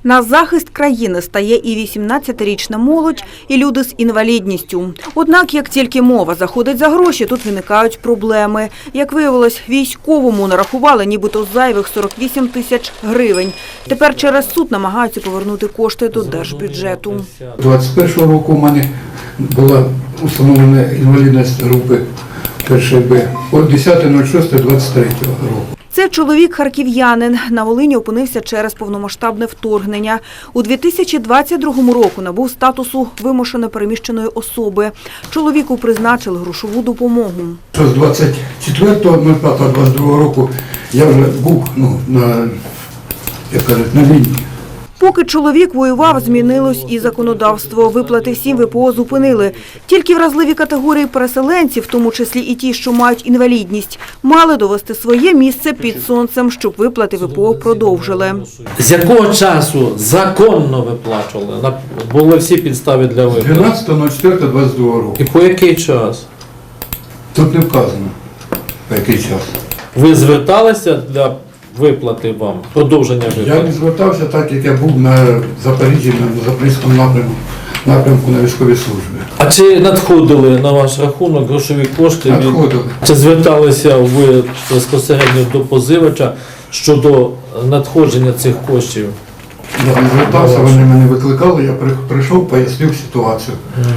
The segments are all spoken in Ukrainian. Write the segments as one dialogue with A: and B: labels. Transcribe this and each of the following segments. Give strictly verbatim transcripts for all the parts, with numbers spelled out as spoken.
A: На захист країни стає і вісімнадцятирічна молодь, і люди з інвалідністю. Однак, як тільки мова заходить за гроші, тут виникають проблеми. Як виявилось, військовому нарахували нібито зайвих сорок вісім тисяч гривень. Тепер через суд намагаються повернути кошти до держбюджету.
B: двадцять першого року у мене була установлена інвалідність групи першої Б. десяте шосте двадцять третього року.
A: Це чоловік-харків'янин. На Волині опинився через повномасштабне вторгнення. У дві тисячі двадцять другому року набув статусу вимушено переміщеної особи. Чоловіку призначили грошову допомогу.
B: З двадцять четвертого п'ятого двадцять другого року я вже був ну, на, як кажуть, на лінії.
A: Поки чоловік воював, змінилось і законодавство. Виплати всім ВПО зупинили. Тільки вразливі категорії переселенців, в тому числі і ті, що мають інвалідність, мали довести своє місце під сонцем, щоб виплати ВПО продовжили.
C: З якого часу законно виплачували? Були всі підстави для виплат?
B: дванадцятого четвертого двадцять другого року.
C: І по який час?
B: Тут не вказано, по який час.
C: Ви зверталися для виплати вам, продовження виплати?
B: Я не звертався так, як я був на Запоріжжі, на Запорізькому напрямку, напрямку на військовій службі.
C: А чи надходили на ваш рахунок грошові кошти?
B: Надходили.
C: Чи зверталися ви безпосередньо до позивача щодо надходження цих коштів?
B: Я не звертався, вони мене викликали, я прийшов, пояснив ситуацію.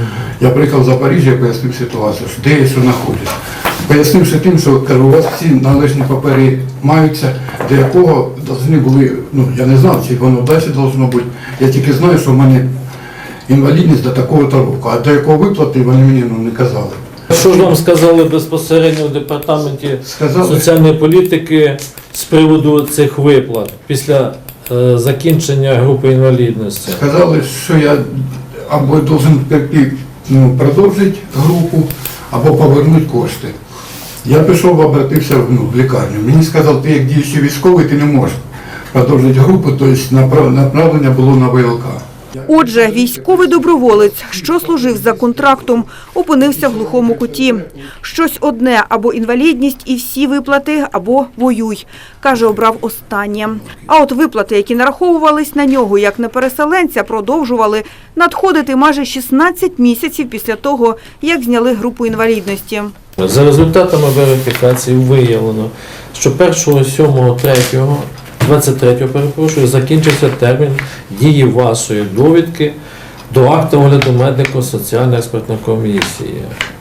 B: Я приїхав в Запоріжжя, пояснив ситуацію, де я що знаходжусь. Пояснивши тим, що кажу, у вас всі належні папери маються, до якого повинні були, ну я не знав, чи воно далі повинно бути. Я тільки знаю, що в мене інвалідність до такого-то року, а до якого виплати вони мені ну, не казали.
C: Що ж вам сказали безпосередньо в департаменті
B: Сказали,
C: соціальної політики з приводу цих виплат після е, закінчення групи інвалідності?
B: Сказали, що я або повинен ну, продовжити групу, або повернути кошти. Я пішов, обратився ну, в лікарню. Мені сказали, ти як діючий військовий, ти не можеш продовжити групу, тобто направлення було на ВЛК.
A: Отже, військовий доброволець, що служив за контрактом, опинився в глухому куті. Щось одне – або інвалідність і всі виплати, або воюй. Каже, обрав останнє. А от виплати, які нараховувались на нього як на переселенця, продовжували надходити майже шістнадцять місяців після того, як зняли групу інвалідності.
C: За результатами верифікації виявлено, що першого сьомого третього двадцять третього, перепрошую, закінчився термін дії вашої довідки до акту огляду медико-соціальної експертної комісії.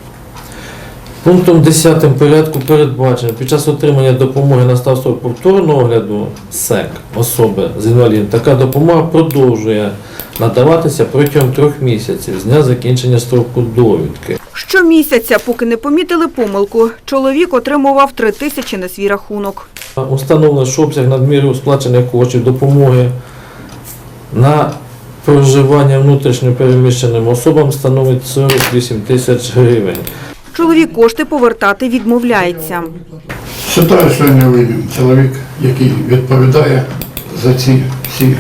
C: Пунктом десятим порядку передбачено, під час отримання допомоги на став строк повторного огляду СЕК особи з інвалідністю, така допомога продовжує надаватися протягом трьох місяців з дня закінчення строку довідки.
A: Щомісяця, поки не помітили помилку, чоловік отримував три тисячі на свій рахунок.
C: Установлено, що обсяг надміру сплачених коштів допомоги на проживання внутрішньо переміщеним особам становить сорок вісім тисяч гривень.
A: Чоловік кошти повертати відмовляється.
B: Вважаю, що я не винен. Чоловік, який відповідає за ці всі,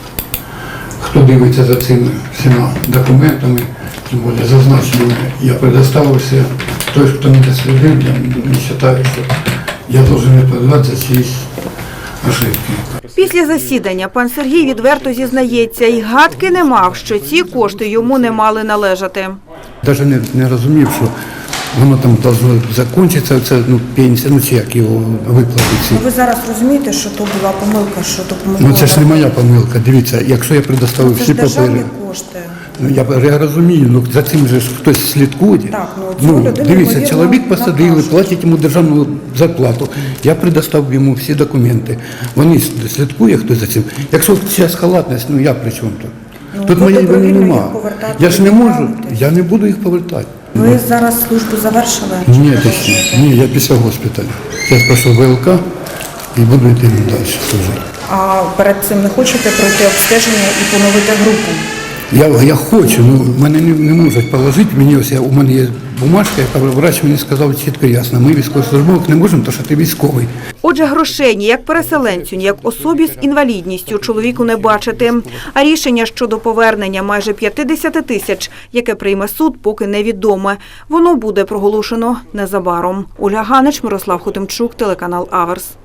B: хто дивиться за цими всіма документами, тим більше зазначеними, я предоставив все. Той, хто не дослідив, я не вважаю, що я повинен відповідати за ці ошибки.
A: Після засідання пан Сергій відверто зізнається, і гадки не мав, що ці кошти йому не мали належати.
B: Навіть не, не розумів, що воно там повинно закінчитися, це ну, пенсія, ну чи як його виплатити.
D: Ви зараз розумієте, що то була помилка, що то помилка?
B: Ну це ж не моя помилка, дивіться, якщо я предоставив
D: це
B: всі
D: ж державні
B: папери.
D: кошти.
B: Ну, я, я розумію, ну за цим же ж хтось слідкує.
D: Так, ну, цю людину,
B: дивіться,
D: ймовірно,
B: чоловік посадили,
D: накажуть.
B: платять йому державну зарплату. Я предоставив йому всі документи. Вони слідкує хтось за цим. Якщо зараз халатність, ну я при чому тут?
D: Ну,
B: Тут
D: ви
B: моєї вини
D: добровільно
B: нема.
D: їх повертати
B: Я ж не можу,
D: відмовляєтесь?
B: я не буду їх повертати.
D: Ви зараз службу завершили?
B: Ні, ти ще. Ні, я після госпіталю. Я пройшов ВЛК і буду йти далі служити.
D: А перед цим не хочете пройти обстеження і поновити групу?
B: Я, я хочу, ну мене не, не можуть положити. Мені ось я, у мене є бумажка, яка врач мені сказав чітко і ясно. Ми військовослужбовці не можемо, тому що ти військовий.
A: Отже, грошей ні як переселенцю, ні як особі з інвалідністю чоловіку не бачити. А рішення щодо повернення майже п'ятдесят тисяч, яке прийме суд, поки невідоме. Воно буде проголошено незабаром. Ольга Ганич, Мирослав Хотимчук, телеканал Аверс.